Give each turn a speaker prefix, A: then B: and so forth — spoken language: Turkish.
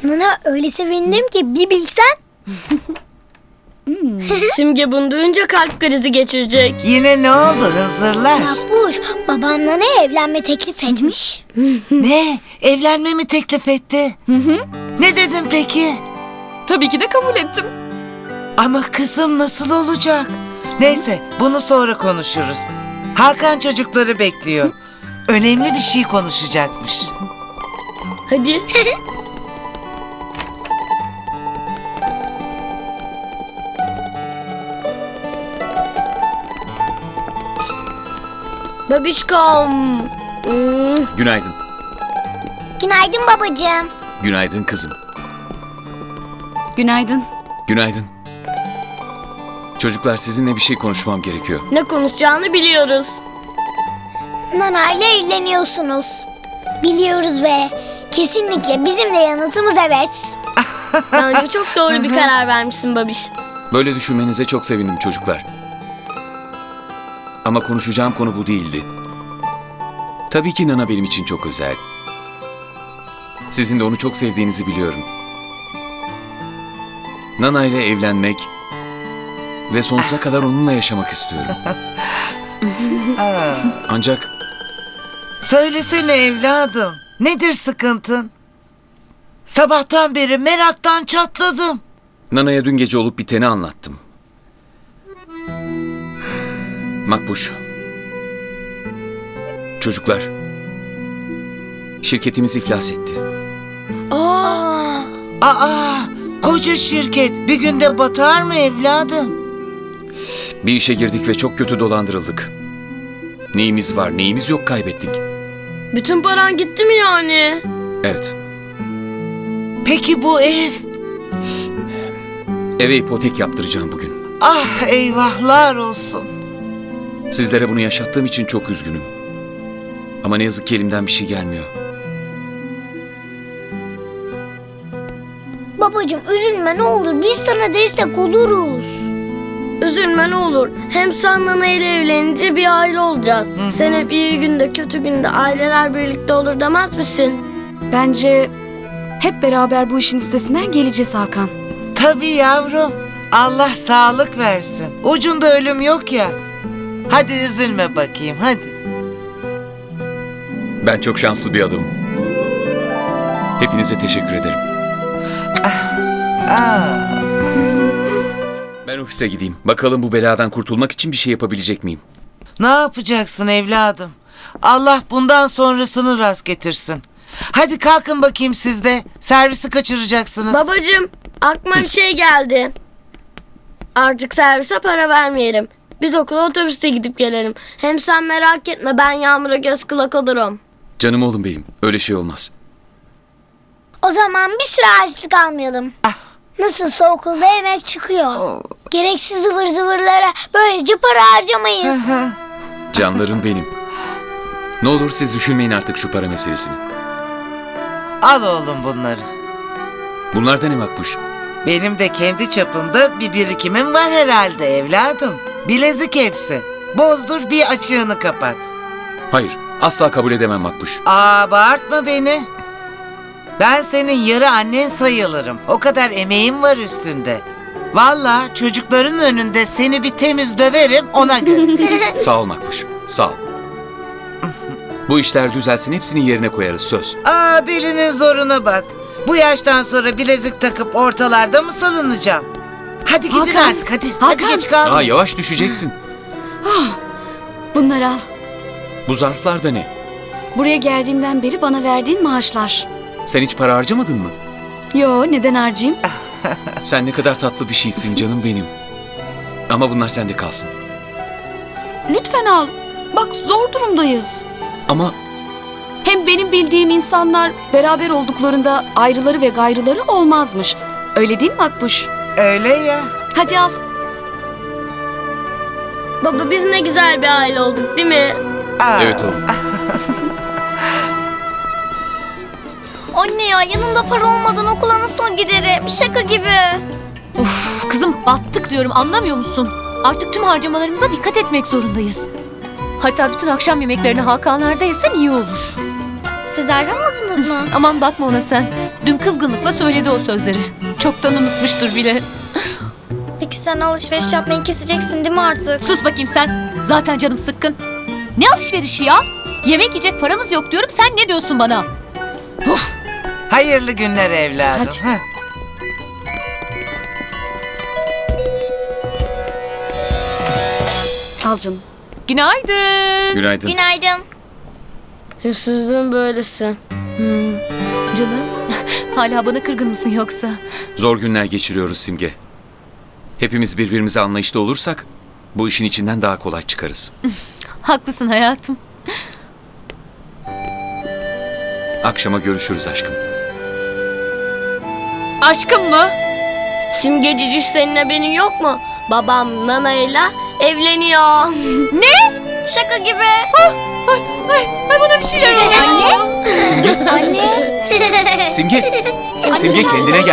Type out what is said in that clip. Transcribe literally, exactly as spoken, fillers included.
A: Nana öyle sevindim ki bir bilsen.
B: Simge bunu duyunca kalp krizi geçirecek.
C: Yine ne oldu Hızırlar?
A: Makbuş babam Nana'ya evlenme teklif etmiş.
C: Ne? Evlenme mi teklif etti? Ne dedin peki?
D: Tabii ki de kabul ettim.
C: Ama kızım nasıl olacak? Neyse bunu sonra konuşuruz. Hakan çocukları bekliyor. Önemli bir şey konuşacakmış.
B: Hadi. Babişkom. Hmm.
E: Günaydın.
A: Günaydın babacığım.
E: Günaydın kızım.
D: Günaydın.
E: Günaydın. Çocuklar sizinle bir şey konuşmam gerekiyor.
B: Ne konuşacağını biliyoruz.
A: Nana ile evleniyorsunuz. Biliyoruz ve kesinlikle bizim de yanıtımız evet.
B: Bence çok doğru bir karar vermişsin babiş.
E: Böyle düşünmenize çok sevindim çocuklar. Ama konuşacağım konu bu değildi. Tabii ki Nana benim için çok özel. Sizin de onu çok sevdiğinizi biliyorum. Nana ile evlenmek ve sonsuza kadar onunla yaşamak istiyorum.
C: Aa,
E: Ancak
C: söylesene evladım. Nedir sıkıntın? Sabahtan beri meraktan çatladım.
E: Nana'ya dün gece olup biteni anlattım. Makbuş. Çocuklar. Şirketimiz iflas etti.
B: Aa,
C: Aa, koca şirket bir günde batar mı evladım?
E: Bir işe girdik ve çok kötü dolandırıldık. Neyimiz var, neyimiz yok kaybettik.
B: bütün paran gitti mi yani?
E: Evet.
C: Peki bu ev?
E: Eve ipotek yaptıracağım bugün.
C: Ah eyvahlar olsun.
E: Sizlere bunu yaşattığım için çok üzgünüm. Ama ne yazık ki elimden bir şey gelmiyor.
A: Babacığım üzülme ne olur biz sana destek oluruz.
B: Üzülme ne olur. Hem sen Nana ile evlenince bir aile olacağız. Sen hep iyi günde kötü günde aileler birlikte olur demez misin?
D: Bence hep beraber bu işin üstesinden geleceğiz Hakan.
C: Tabii yavrum. Allah sağlık versin. Ucunda ölüm yok ya. Hadi üzülme bakayım hadi.
E: Ben çok şanslı bir adamım. Hepinize teşekkür ederim.
C: Aa,
E: Ben ofise gideyim. Bakalım bu beladan kurtulmak için bir şey yapabilecek miyim?
C: ne yapacaksın evladım? Allah bundan sonrasını rast getirsin. Hadi kalkın bakayım siz de. Servisi kaçıracaksınız.
B: Babacığım aklıma bir şey geldi. Artık servise para vermeyelim. Biz okula otobüste gidip gelelim. Hem sen merak etme ben Yağmur'a göz kulak olurum.
E: Canım oğlum benim. Öyle şey olmaz.
A: O zaman bir süre harçlık almayalım. Nasılsa okulda yemek çıkıyor. Gereksiz zıvır zıvırlara böylece para harcamayız.
E: Canlarım benim. Ne olur siz düşünmeyin artık şu para meselesini.
C: Al oğlum bunları.
E: Bunlar da ne Makbuş?
C: Benim de kendi çapımda bir birikimim var herhalde evladım. Bilezik hepsi. Bozdur bir açığını kapat.
E: Hayır. Asla kabul edemem Makbuş.
C: Aa bağırtma beni. Ben senin yarı annen sayılırım. O kadar emeğim var üstünde. Vallahi çocukların önünde seni bir temiz döverim ona göre.
E: Sağ ol Makbuş. Sağ ol. Bu işler düzelsin hepsini yerine koyarız söz.
C: Aa dilinin zoruna bak. Bu yaştan sonra bilezik takıp ortalarda mı salınacağım? Hadi gidin
D: Hakan,
C: artık hadi. Hadi
D: Hakan.
C: geç kalma.
E: Aa yavaş düşeceksin.
D: Bunları al.
E: Bu zarflar da ne?
D: Buraya geldiğimden beri bana verdiğin maaşlar.
E: Sen hiç para harcamadın mı?
D: Yo, neden harcayayım?
E: Sen ne kadar tatlı bir şeysin canım benim. Ama bunlar sende kalsın.
D: Lütfen al. Bak zor durumdayız.
E: Ama
D: Hem benim bildiğim insanlar beraber olduklarında ayrıları ve gayrıları olmazmış. Öyle değil mi Makbuş?
C: Öyle ya.
D: Hadi al.
B: Baba biz ne güzel bir aile olduk değil mi?
C: Aa.
E: evet oğlum.
A: Anne ya yanımda para olmadan okula nasıl giderim? Şaka gibi.
F: Of kızım battık diyorum anlamıyor musun? Artık tüm harcamalarımıza dikkat etmek zorundayız. Hatta bütün akşam yemeklerini Hakanlar'da yesen iyi olur.
A: Siz ayrılmadınız mı?
F: Aman bakma ona sen. Dün kızgınlıkla söyledi o sözleri. Çoktan unutmuştur bile.
G: Peki sen alışveriş yapmayı keseceksin değil mi artık?
F: Sus bakayım sen. Zaten canım sıkkın. Ne alışverişi ya? Yemek yiyecek paramız yok diyorum. Sen ne diyorsun bana?
C: Hayırlı günler evladım.
F: Hadi.
C: Heh.
D: Al canım.
F: Günaydın.
E: Günaydın.
G: Günaydın.
B: Hırsızlığın böylesi.
F: Canım. Hala bana kırgın mısın yoksa?
E: Zor günler geçiriyoruz Simge. Hepimiz birbirimize anlayışlı olursak bu işin içinden daha kolay çıkarız.
F: Haklısın hayatım.
E: Akşama görüşürüz aşkım.
F: Aşkım mı?
B: Simge Ciciş, senin haberin yok mu? Babam Nana'yla evleniyor.
G: Şaka gibi.
F: Ay bana bir şeyler oldu.
E: Simge,
A: Anne.
E: Simge, Simge kendine gel.